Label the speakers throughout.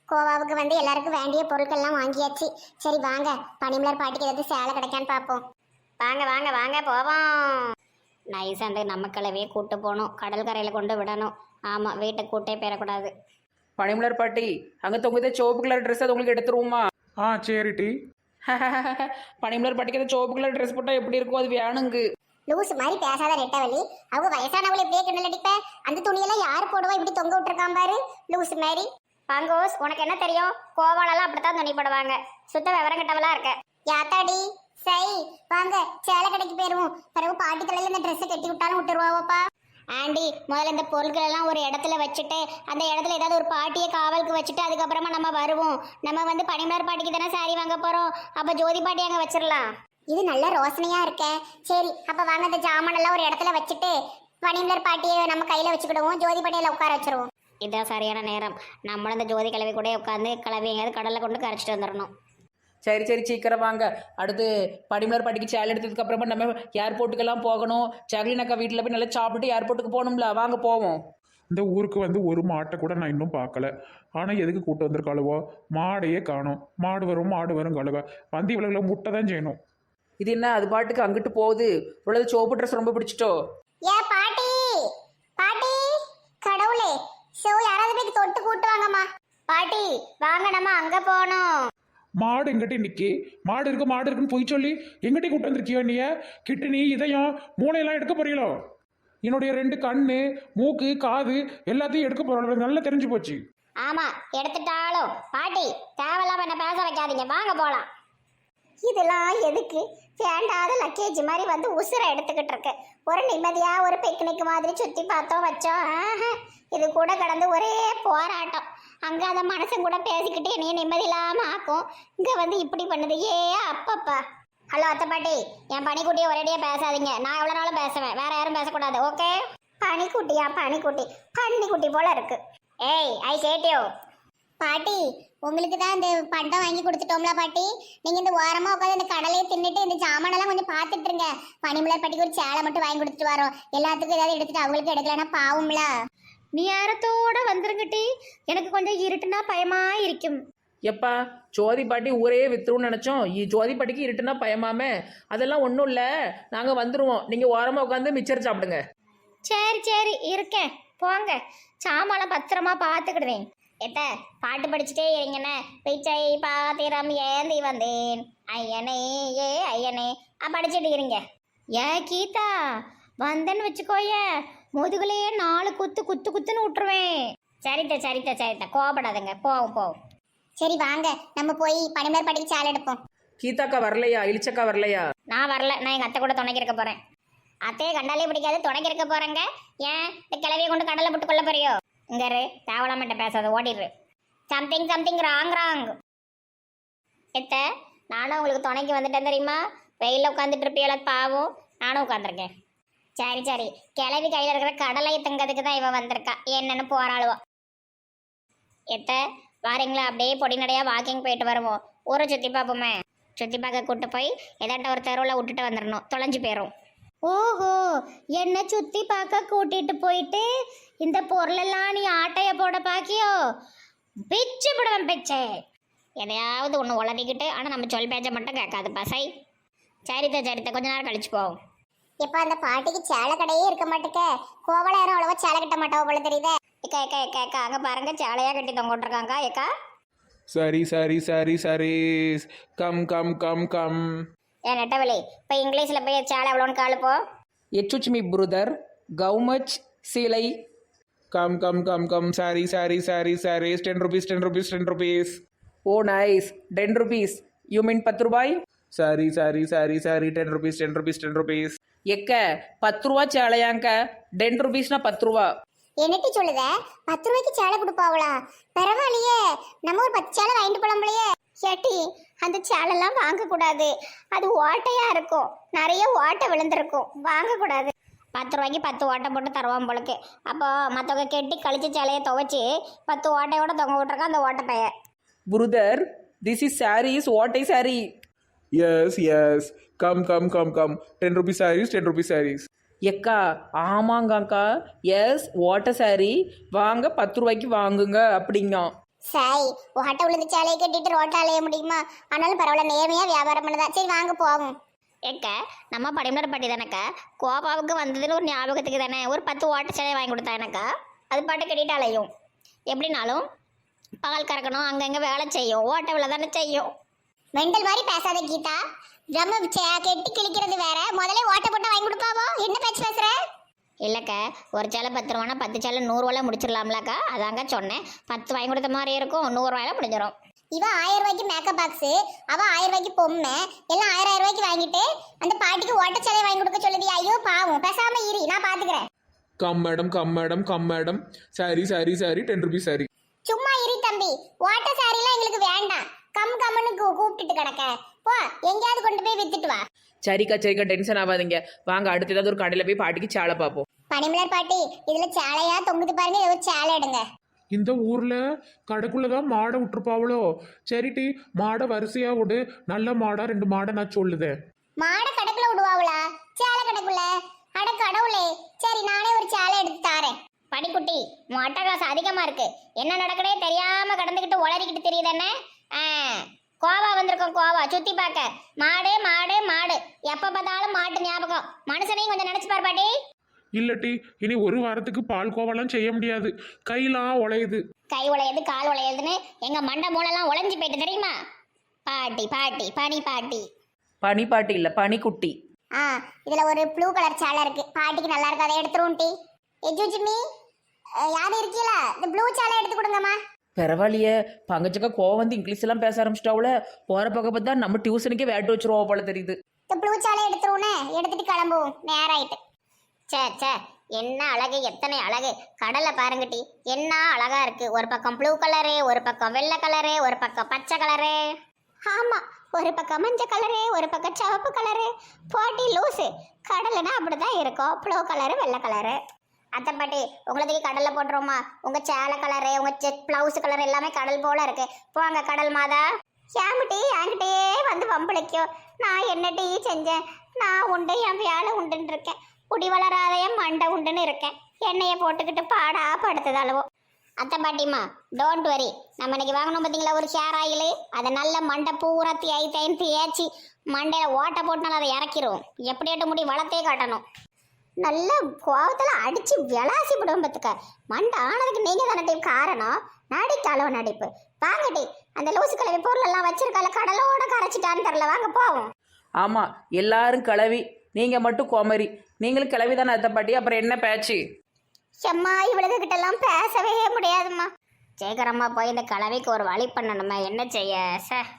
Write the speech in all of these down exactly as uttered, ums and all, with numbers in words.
Speaker 1: கோவாவுக்கு வந்து எல்லாருக்கும் வேண்டிய பொருட்கள்லாம் வாங்கியாச்சு. சரி வாங்க, பனிமலர் பாட்டிக்கு ஏதாவது சேலை கிடைக்கான்னு பார்ப்போம். வாங்க வாங்க வாங்க போவோம். நைஸ் அந்த நம்ம கிளவியை கூட்டு போகணும், கடல் கரையில் கொண்டு விடணும். ஆமாம், வீட்டை கூட்டே பெறக்கூடாது.
Speaker 2: பனிமலர் பாட்டி அங்கே தொங்குதே சோப்பு கலர் ட்ரெஸ் அது உங்களுக்கு எடுத்துருவோமா?
Speaker 3: ஆ சரி டி.
Speaker 2: பனிமலர் பாட்டிக்கு அந்த சோப்பு கலர் ட்ரெஸ் போட்டால் எப்படி இருக்கும்? அது வேணுங்கு.
Speaker 1: லூஸ் மாதிரி பேசாத ரெட்டவழி. அவங்க வயசானவங்களை இப்படியே கிண்டல் அடிப்ப. அந்த துணியெல்லாம் யார் போடுவா? இப்படி தொங்க விட்டுருக்கான் பாரு லூஸ் மாதிரி. பாங்கோஸ், உனக்கு என்ன தெரியும்? கோவாலெல்லாம் அப்படித்தான் துணி போடுவாங்க. சுத்த விவரம் கிட்டவளா இருக்க. யாத்தாடி சை, வாங்க சேலை கடைக்கு போயிருவோம். பிறகு பாட்டி தலையில இந்த ட்ரெஸ்ஸை கட்டி விட்டாலும் விட்டுருவாவோப்பா. ஆண்டி, முதல்ல இந்த பொருட்கள் எல்லாம் ஒரு இடத்துல வச்சுட்டு அந்த இடத்துல ஏதாவது ஒரு பாட்டியை காவலுக்கு வச்சுட்டு அதுக்கப்புறமா நம்ம வருவோம். நம்ம வந்து பனிமலர் பாட்டிக்கு தானே சாரி வாங்க போறோம். அப்ப ஜோதி பாட்டி அங்க வச்சிடலாம். இது நல்ல ரோசனையா இருக்க. சரி, அப்ப வாங்க இந்த ஜாமான் எல்லாம் ஒரு இடத்துல வச்சுட்டு பனிமலர் பாட்டியை நம்ம கையில வச்சுக்கிடுவோம். ஜோதி பாட்டியில உட்கார வச்சிருவோம். இதான் சரியான நேரம். நம்மளும் இந்த ஜோதி கிழவி கூட உட்காந்து கிளவி எங்கேயாவது கடலை கொண்டு கரைச்சிட்டு வந்துடணும்.
Speaker 2: சரி சரி சீக்கிரம் வாங்க. அடுத்து பனிமலர் பாட்டிக்கு சேலை எடுத்ததுக்கு அப்புறமா நம்ம ஏர்போர்ட்டுக்கெல்லாம் போகணும். ஜாக்லின் அக்கா வீட்டில் போய் நல்லா சாப்பிட்டு ஏர்போர்ட்டுக்கு போகணும்ல. வாங்க போவோம்.
Speaker 3: இந்த ஊருக்கு வந்து ஒரு மாட்டை கூட நான் இன்னும் பார்க்கல. ஆனால் எதுக்கு கூட்டு வந்திருக்காளுவோ? மாடையே காணும். மாடு வரும் மாடு வரும் கழுவ வந்து இவ்வளோ முட்டை தான் செய்யணும்.
Speaker 2: இது என்ன அது பாட்டுக்கு அங்கிட்டு போகுது? இவ்வளவு சோப்பு ட்ரெஸ் ரொம்ப பிடிச்சிட்டோ?
Speaker 1: ஏ பாட்டி, பாட்டி, கடவுளே, சோ யாராவது போய் தொட்டு கூட்டு வாங்கம்மா. பாட்டி வாங்க, நம்ம அங்க போகணும்.
Speaker 3: மாடு எங்கிட்ட நிற்கி மாடு இருக்கு மாடு இருக்குன்னு போய் சொல்லி எங்கிட்டே கூட்டு வந்திருக்கியோ? நீ கிட்னி இதயம் மூளையெல்லாம் எடுக்க போறீங்களோ? என்னுடைய ரெண்டு கண்ணு மூக்கு காது எல்லாத்தையும் எடுக்க போறோம். நல்லா தெரிஞ்சு போச்சு.
Speaker 1: ஆமா, எடுத்துட்டாலும் பாட்டி தேவையில்லாம என்ன பேச வைக்காதீங்க. வாங்க போலாம். இதெல்லாம் எதுக்கு? வேண்டாத லக்கேஜ் மாதிரி வந்து உசுரை எடுத்துக்கிட்டு இருக்கு. ஒரு நிம்மதியா ஒரு பிக்னிக் மாதிரி சுத்தி பார்த்தோம் வச்சோம். இது கூட கடந்து ஒரே போராட்டம். அங்க அந்த மனசன் கூட பேசிக்கிட்டு என்னைய நிம்மதி இல்லாம ஆக்கும். இங்க வந்து இப்படி பண்ணுது. ஏ அப்பப்பா. ஹலோ அத்தை பாட்டி, என் பனிக்குட்டியை ஒரேடியா பேசாதீங்க. நான் எவ்வளவு நாளும் பேசுவேன், வேற யாரும் பேசக்கூடாது. ஓகே? பனிக்குட்டியா? பனிக்குட்டி பன்னிக்குட்டி போல இருக்கு. ஏய், ஐ கேட்டியோ பாட்டி, உங்களுக்கு தான் இந்த பண்டம் வாங்கி கொடுத்துட்டோம்ல பாட்டி. நீங்க இந்த ஓரமா உட்காந்து இந்த கடலையை தின்னுட்டு இந்த சாமானெல்லாம் கொஞ்சம் பார்த்துட்டு இருங்க. பனிமலர் பாட்டிக்கு ஒரு சேலை மட்டும் வாங்கி கொடுத்துட்டு வரோம். எல்லாத்துக்கும் ஏதாவது எடுத்துட்டு அவங்களுக்கு எடுக்கலன்னா பாவம்ல.
Speaker 4: நீ யாரத்தோட வந்துருங்கட்டி, எனக்கு கொஞ்சம் இருட்டுனா பயமா இருக்கும்.
Speaker 2: எப்பா ஜோதி பாட்டி ஊரே வித்துருன்னு நினச்சோம். ஜோதி பாட்டிக்கு இருட்டுனா பயமாமே. அதெல்லாம் ஒன்றும் இல்லை, நாங்கள் வந்துடுவோம். நீங்கள் ஓரமாக உட்காந்து மிச்சர் சாப்பிடுங்க.
Speaker 4: சரி சரி இருக்கேன், போங்க. சாமானை பத்திரமா பார்த்துக்கிடுவேன்.
Speaker 1: எத்த பாட்டு படிச்சுட்டே இருங்கண்ணே. பிச்சை பாத்திரம் ஏந்தி வந்தேன் ஐயனே ஏ ஐயனே படிச்சுட்டு இருங்க.
Speaker 4: ஏ கீதா, வந்தேன்னு வச்சுக்கோய முதுகுலையே நாலு குத்து குத்து குத்துன்னு விட்டுருவேன்.
Speaker 1: சரித்த சரித்த சரித்த கோபப்படாதுங்க, போவோம் போவோம். சரி வாங்க, நம்ம போய் பனிமலர் பாட்டிக்கு சேலை எடுப்போம்.
Speaker 2: கீதாக்கா வரலையா? இளிச்சக்கா வரலையா?
Speaker 1: நான் வரல, நான் எங்கள் அத்தை கூட துணைக்கு இருக்க போகிறேன். அத்தையை கண்டாலே பிடிக்காது, துணைக்கு இருக்க போகிறேங்க. ஏன் இந்த கிளவியை கொண்டு கடலை போட்டு கொள்ள போறியோ? இங்கரு தேவலாமட்ட பேசாத, ஓடிடுரு. Something something wrong wrong. எத்த நானும் உங்களுக்கு துணைக்கு வந்துட்டேன் தெரியுமா? வெயிலில் உட்காந்துட்டு இருப்பியல பாவம், நானும் உட்காந்துருக்கேன். சரி சரி, கிளவி கையில் இருக்கிற கடலையை தங்கிறதுக்கு தான் இவன் வந்திருக்கா. என்னன்னு போராளுவா. எத்த வாரீங்களா? அப்படியே பொடி நடையா வாக்கிங் போயிட்டு வருவோம். ஊரை சுற்றி பார்ப்போமே. சுற்றி பார்க்க கூட்டு போய் ஏதாட்ட ஒரு தெருவில் விட்டுட்டு வந்துடணும், தொலைஞ்சு போயிடும்.
Speaker 4: ஓஹோ, என்ன சுத்தி பார்க்க கூட்டிட்டு போயிட்டு இந்த பொருளெல்லாம் நீ ஆட்டைய போட பாக்கியோ? பிச்சு போடுவேன் பிச்சை.
Speaker 1: எதையாவது ஒன்று உளறிக்கிட்டு, ஆனால் நம்ம சொல் பேச்சை மட்டும் கேட்காது பசை. சரித்த சரித்த கொஞ்ச நேரம் கழிச்சு போவோம். இப்போ அந்த பாட்டிக்கு சேலை கடையே இருக்க மாட்டேக்க. கோவலை யாரும் அவ்வளோவா சேலை கட்ட மாட்டாவோ போல தெரியுதே. ஏக்கா ஏக்கா ஏக்கா ஏக்கா அங்கே பாருங்க, சேலையாக கட்டி தொங்க விட்டுருக்காங்க. ஏக்கா
Speaker 3: சரி சரி சரி சரி, கம் கம் கம் கம்.
Speaker 1: ஏன் நெட்டவலி, இப்போ இங்கிலீஷில் போய் சேலை எவ்வளோன்னு காலுப்போ.
Speaker 2: எச்சுச் மீ பிரதர், கவு மச் சீலை?
Speaker 3: Come come come come sari sari sari sari, ten rupees ten rupees ten rupees.
Speaker 2: Oh nice, ten rupees. You mean பத்து ரூபாய்?
Speaker 3: Sari sari sari sari, ten rupees ten rupees ten rupees.
Speaker 2: எக்க பத்து ரூபா சேலையாங்க? டென் ருபீஸ்னா பத்து ரூபா.
Speaker 1: என்னட்டி சொல்லுத? பத்து ரூபாய்க்கு சேலை கொடுப்பாவளா? பரவாயில்லையே, நம்ம ஒரு பத்து சேலை வாங்கிட்டு போலாம்லையே. ஏட்டி, அந்த சேலெல்லாம் வாங்கக்கூடாது. அது ஓட்டையா இருக்கும், நிறைய ஓட்டை விழுந்திருக்கும், வாங்கக்கூடாது. பத்து ரூபாய்க்கு பத்து ஓட்டை போட்டு தருவான் போலுக்கு. அப்போ மற்றவங்க கெட்டி கழிச்ச சேலையை துவைச்சி பத்து ஓட்டையோட தொங்க விட்டுருக்கான் அந்த ஓட்டை பைய.
Speaker 2: Brother, this is sari, is ஓட்டை sari.
Speaker 3: Yes yes, come come come come, ten rupees saris ten rupees saris.
Speaker 2: எக்கா ஆமாங்கக்கா, எஸ் ஓட்ட சாரி வாங்க, பத்து ரூபாய்க்கு வாங்குங்க அப்படிங்க.
Speaker 1: சாய் ஓட்ட விழுந்து சேலையை கட்டிட்டு ரோட்டை அலைய முடியுமா? ஆனாலும் பரவாயில்ல, நேர்மையா வியாபாரம் பண்ணதா. சரி வாங்க போவோம்.
Speaker 4: ஏக்க நம்ம படிமலர் பாட்டி தானக்கா, கோபாவுக்கு வந்ததுன்னு ஒரு ஞாபகத்துக்கு தானே ஒரு பத்து ஓட்ட சேலை வாங்கி கொடுத்தா எனக்கா. அது பாட்டு கட்டிட்டு அலையும். எப்படினாலும் பால் கறக்கணும், அங்கங்கே வேலை செய்யும், ஓட்ட வேலை தானே செய்யும்.
Speaker 1: மெண்டல் மாதிரி பேசாத கீதா. நம்ம கெட்டி கிழிக்கிறது வேற, முதல்ல ஓட்ட போட்டு வாங்கி கொடுப்பாவோ. என்ன பேச்சு பேசுற?
Speaker 4: இல்லைக்கா, ஒரு சேலை பத்து ரூபானா பத்து சேலை நூறுரூவால முடிச்சிடலாம்லக்கா. அதாங்க சொன்னேன். பத்து வாங்கி கொடுத்த மாதிரி இருக்கும், நூறுரூவாயில முடிஞ்சிடும்.
Speaker 1: இவன் ஆயிரம் ரூபாய்க்கு மேக்கப் பாக்ஸ், அவன் ஆயிரம் ரூபாய்க்கு பொம்மை, எல்லாம் ஆயிரம் ஆயிரம் ரூபாய்க்கு வாங்கிட்டு அந்த பாட்டிக்கு ஓட்ட சேலை வாங்கி கொடுக்க சொல்லுது. ஐயோ பாவம், பேசாம இரு, நான் பாத்துக்கிறேன்.
Speaker 3: Come madam come madam come madam sari sari sari ten rupees sari.
Speaker 1: சும்மா இரு தம்பி, ஓட்ட சாரிலாம் எங்களுக்கு வேண்டாம். கம் கம்னு கூப்பிட்டுட்டு கிடக்க போ, எங்கேயாவது கொண்டு போய் வித்துட்டு வா.
Speaker 2: சரிக்கா சரிக்கா, டென்ஷன் ஆகாதீங்க. வாங்க அடுத்து ஏதாவது ஒரு கடையில் போய் பாட்டிக்கு சேலை பார்ப்போம்.
Speaker 1: பனிமலர் பாட்டி, இதுல சேலையா தொங்குது பாருங்க, ஏதோ சேலை எடுங்க.
Speaker 3: இந்த ஊர்ல கடைக்குள்ளதான் மாடை விட்டுருப்பாவளோ. சரிட்டி, மாடை வரிசையா விடு, நல்ல மாடா ரெண்டு மாடை நான் சொல்லுதேன்.
Speaker 1: மாடை கடைக்குள்ள விடுவாங்களா? சேலை கடைக்குள்ள? அட கடவுளே, சரி நானே ஒரு சேலை எடுத்து தாரேன்.
Speaker 4: படிக்குட்டி, உன் அட்டகாசம் அதிகமா இருக்கு. என்ன நடக்கடே தெரியாம கடந்துக்கிட்டு உளறிக்கிட்டு தெரியுதானே? ஆ, கோவா வந்திருக்கோம், கோவா சுத்தி பார்க்க. மாடு மாடு மாடு, எப்ப பார்த்தாலும் மாட்டு ஞாபகம். மனுஷனையும் கொஞ்சம் நினைச்சு பார் பாட்டி.
Speaker 3: இல்லட்டி, இனி ஒரு வாரத்துக்கு பால் கோவாலாம் செய்ய முடியாது, கையெல்லாம் உழையுது.
Speaker 4: கை உழையுது கால் உழையுதுன்னு எங்க மண்டை மூலெல்லாம் உழைஞ்சு போயிட்டு தெரியுமா? பாட்டி பாட்டி பனி பாட்டி.
Speaker 2: பனி பாட்டி இல்லை, பனிக்குட்டி.
Speaker 1: ஆ, இதுல ஒரு ப்ளூ கலர் சேலை இருக்கு, பாட்டிக்கு நல்லா இருக்கு, அதை எடுத்துருவோம். டி எஜுஜிமி யாரும் இருக்கீங்களா? இந்த ப்ளூ சேலை எடுத்து கொடுங்கம்மா.
Speaker 2: பரவாயில்லையே, பங்கச்சக்கா கோவம் வந்து இங்கிலீஷ் எல்லாம் பேச ஆரம்பிச்சிட்டாவுல. போகிற பக்கம் பார்த்தா நம்ம டியூஷனுக்கே வேட்டு வச்சிருவோம் போல தெரியுது.
Speaker 1: இந்த ப்ளூ சேலை எடுத்துருவோனே, எடுத்துட்டு கிளம்புவோம். நேரம் ஆயிட்டு.
Speaker 4: சே சே, என்ன அழகு, எத்தனை அழகு. கடலை பாருங்கட்டி, என்ன அழகா இருக்கு. ஒரு பக்கம் ப்ளூ கலரு, ஒரு பக்கம் வெள்ளை கலரு, ஒரு பக்கம் பச்சை கலரு.
Speaker 1: ஆமா, ஒரு பக்கம் மஞ்சள் கலரு, ஒரு பக்கம் சிவப்பு கலரு. போட்டி லூசு. கடலைன்னா அப்படிதான் இருக்கும், ப்ளூ கலரு வெள்ளை கலரு.
Speaker 4: அத்தை பாட்டி, உங்களுக்கு கடல்ல போட்டுருவோமா? உங்க சேலை கலரு, உங்க செக் பிளவுஸ் கலர் எல்லாமே கடல் போல இருக்கு. போங்க கடல் மாதா.
Speaker 1: ஏமிட்டி என்கிட்டே வந்து வம்பளிக்கும். நான் என்ன டீ செஞ்சேன்? நான் உண்டு, என் வேலை உண்டுன்னு இருக்கேன். குடி வளராத என் மண்டை உண்டுன்னு இருக்கேன். எண்ணெயை போட்டுக்கிட்டு பாடா படுத்தது அளவோ.
Speaker 4: அத்தை பாட்டிமா, டோன்ட் வரி. நம்ம இன்னைக்கு வாங்கணும் பார்த்தீங்களா ஒரு ஹேர் ஆயில், அதை நல்ல மண்டை பூரா தேய் தேய்ந்து தேய்ச்சி மண்டையில ஓட்ட போட்டுனால அதை இறக்கிரும். எப்படியாட்டு முடி வளர்த்தே காட்டணும்.
Speaker 1: நல்ல கோவத்துல அடிச்சு விளாசி விடுவோம். பத்துக்க மண்டை ஆனதுக்கு நீங்க தானே டீம் காரணம். நடிக்காலோ நடிப்பு. வாங்கட்டி, அந்த லூசு கிளவி பொருள் எல்லாம் வச்சிருக்கால, கடலோட கரைச்சிட்டான்னு தெரியல. வாங்க போவோம்.
Speaker 2: ஆமாம், எல்லாரும் கிளவி, நீங்கள் மட்டும் கோமரி. நீங்களும் கிளவி தானே அத்தை பாட்டி, அப்புறம் என்ன பேச்சு?
Speaker 1: செம்மா, இவளுக்கு கிட்ட எல்லாம் பேசவே முடியாதும்மா.
Speaker 4: சீக்கிரமா போய் இந்த கலவைக்கு ஒரு வழி பண்ணணுமே, என்ன செய்ய சார்.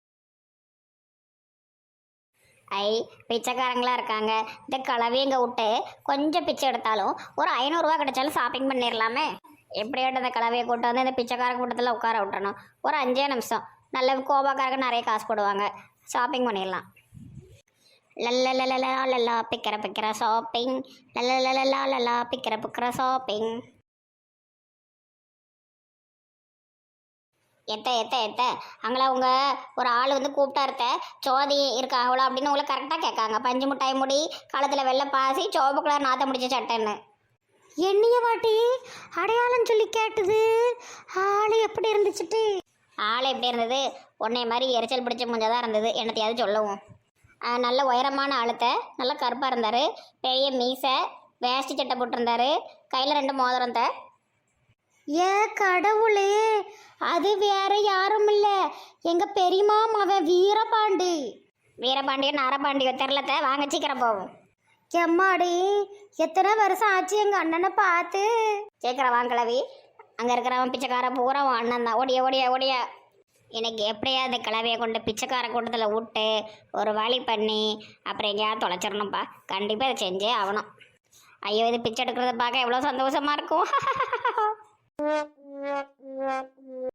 Speaker 4: ஐ, பிச்சைக்காரங்களா இருக்காங்க. இந்த கலவையங்க விட்டு கொஞ்சம் பிச்சை எடுத்தாலும் ஒரு ஐநூறுரூவா கிடைச்சாலும் ஷாப்பிங் பண்ணிடலாமே. எப்படியாட்டும் இந்த கலவையை கூட்டு வந்து இந்த பிச்சைக்கார கூட்டத்தில் உட்கார விட்டணும். ஒரு அஞ்சே நிமிஷம். நல்ல கோபாக்காரங்க நிறைய காசு போடுவாங்க, ஷாப்பிங் பண்ணிடலாம். லல்லலலலா லல்லா பிக்கிற பிக்கிற ஷாப்பிங், லல்லலலலா லல்லா பிக்கிற பிக்கிற ஷாப்பிங். எத்த எத்த எத்த அங்களா உங்க ஒரு ஆள் வந்து கூப்பிட்டாருத்த, சோதி இருக்காங்களோ அப்படின்னு உங்களை கரெக்டாக கேட்காங்க. பஞ்சு மிட்டாய் முடி, காலத்தில் வெள்ளை பாசி, சோப்பு கலர் நாத்த முடிச்ச சட்டைன்னு.
Speaker 1: என்னைய வாட்டி அடையாளம் சொல்லி கேட்டுது. ஆளு எப்படி இருந்துச்சுட்டு?
Speaker 4: ஆள் எப்படி இருந்தது? உன்னைய மாதிரி எரிச்சல் பிடிச்ச முஞ்சதான் இருந்தது. என்னத்தையாவது சொல்லவும். நல்ல உயரமான ஆளுத்த, நல்ல கருப்பாக இருந்தார், பெரிய மீசை, வேஷ்டி சட்டை போட்டிருந்தாரு, கையில் ரெண்டு மோதிரம். த
Speaker 1: ஏ கடவுளே, அது வேற யாரும் இல்ல, எங்க பெரியமா மவன் வீரபாண்டி.
Speaker 4: வீரபாண்டியோ நாரபாண்டியோ தெரிலத்த. வாங்க சீக்கிரம் போவோம்.
Speaker 1: எம்மாடி, எத்தனை வருஷம் ஆச்சு எங்க அண்ணனை பார்த்து.
Speaker 4: சீக்கிரம் வாங்கலவி. அங்கே இருக்கிறவன் பிச்சைக்கார பூரா உன் அண்ணன் தான். ஓடியா ஓடியா ஓடியா. எனக்கு எப்படியாவது கிளவியை கொண்டு பிச்சைக்கார கூட்டத்தில் விட்டு ஒரு வழி பண்ணி அப்புறம் எங்கேயாவது தொலைச்சிடணும்ப்பா. கண்டிப்பாக இதை செஞ்சே ஆகணும். ஐயோ, இது பிச்சை எடுக்கிறத பார்க்க எவ்வளோ சந்தோஷமா இருக்கும்.